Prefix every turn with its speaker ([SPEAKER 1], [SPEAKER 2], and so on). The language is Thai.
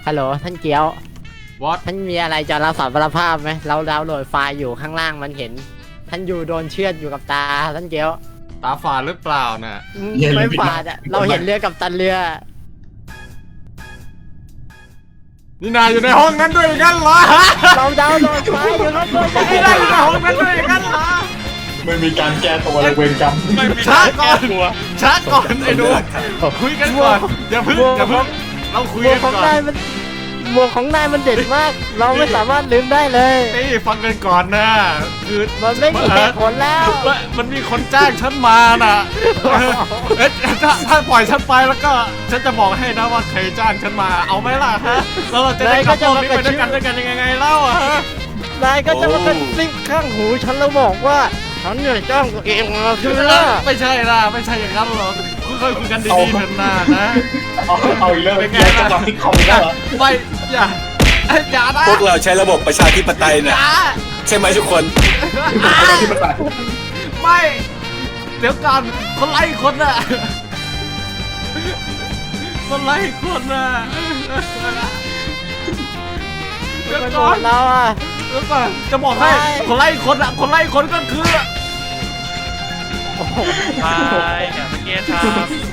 [SPEAKER 1] ฮัลโหลท่านเกียว
[SPEAKER 2] วอต
[SPEAKER 1] ท่านมีอะไรจะรับสารภาพไหมเราดาวน์โหลดไฟล์อยู่ข้างล่างมันเห็น ท่านอยู่โดนเชือดอยู่กับตาท่านเกียว
[SPEAKER 2] ตาฝาดหรือเปล่าน่ะ
[SPEAKER 1] ไม่ฝาดอะเราเห็นเรือกับตันเรือ
[SPEAKER 2] นี่นายอยู่ในห้องนั้นด้วยกันเหรอ
[SPEAKER 1] เราดาวน์โหลดไฟล์อยู่ข้างบน
[SPEAKER 2] นี่นายอยู่ในห้องนั้นด้วยกันเหรอ
[SPEAKER 3] ไม่มีการแก้ตัวเลยเวรกรรม
[SPEAKER 4] ไม่มี
[SPEAKER 2] ช้า
[SPEAKER 4] ทาง
[SPEAKER 2] ก่
[SPEAKER 4] แก้
[SPEAKER 2] อน
[SPEAKER 4] ตัว
[SPEAKER 2] ช้าก่อนไอ้หนูคุยกันก่อนอย่าพึ่งเราคุย
[SPEAKER 1] หมว
[SPEAKER 2] กั
[SPEAKER 1] ก
[SPEAKER 2] น
[SPEAKER 1] ของ
[SPEAKER 2] ก่อน
[SPEAKER 1] นายมันหมวกของนายมันเด็ดมาก เราไม่สามารถลืมได้เลย
[SPEAKER 2] นี่ฟังกันก่อนนะคือ
[SPEAKER 1] มันไม่มีเหตุผลแล้ว
[SPEAKER 2] มันมีคนจ้างฉันมาน่ะเอ๊ะถ้าปล่อยฉันไปแล้วก็ฉันจะบอกให้นะว่าใครจ้างฉันมาเอาไหมล่ะฮะแล้วเราจะได้ขับโลกนี้ไปด้วยกันยังไงเล่าอะฮะ
[SPEAKER 1] นายก็จะมากระซิบข้างหูฉันแล้วบอกว่าฉันเนี่ยจ้างตัวเองมาใช่ไหมล่ะ
[SPEAKER 2] ไม่ใช่ล่ะไม่ใช่อย่างนั้นหรอกค่อยๆคุยกันดีๆเถอะนะนะ
[SPEAKER 3] เอาอีกเรื่อง
[SPEAKER 2] เป็นไง
[SPEAKER 3] แก้
[SPEAKER 2] ล่ะ
[SPEAKER 3] จังหวะที่คอมได้เหรอ
[SPEAKER 2] ไม่อย่านะ
[SPEAKER 5] พวกเราใช้ระบบประชาธิปไตยเนี่ยใช่ไหมทุกคน
[SPEAKER 3] ที่ประกาศ
[SPEAKER 2] ไม่เดี๋ยวก่อนคนไล่คนน่ะคนไล่คนน่ะเดี๋ยว
[SPEAKER 1] ไปหม
[SPEAKER 2] ก่อน
[SPEAKER 1] ดแล้วอ่ะ
[SPEAKER 2] เดี๋ยวก่อนจะบอกให้
[SPEAKER 1] ไม่
[SPEAKER 2] คนไล่คนอ่ะคนไล่คนก็คือ
[SPEAKER 4] ไปกับเมื่อกี้ทำ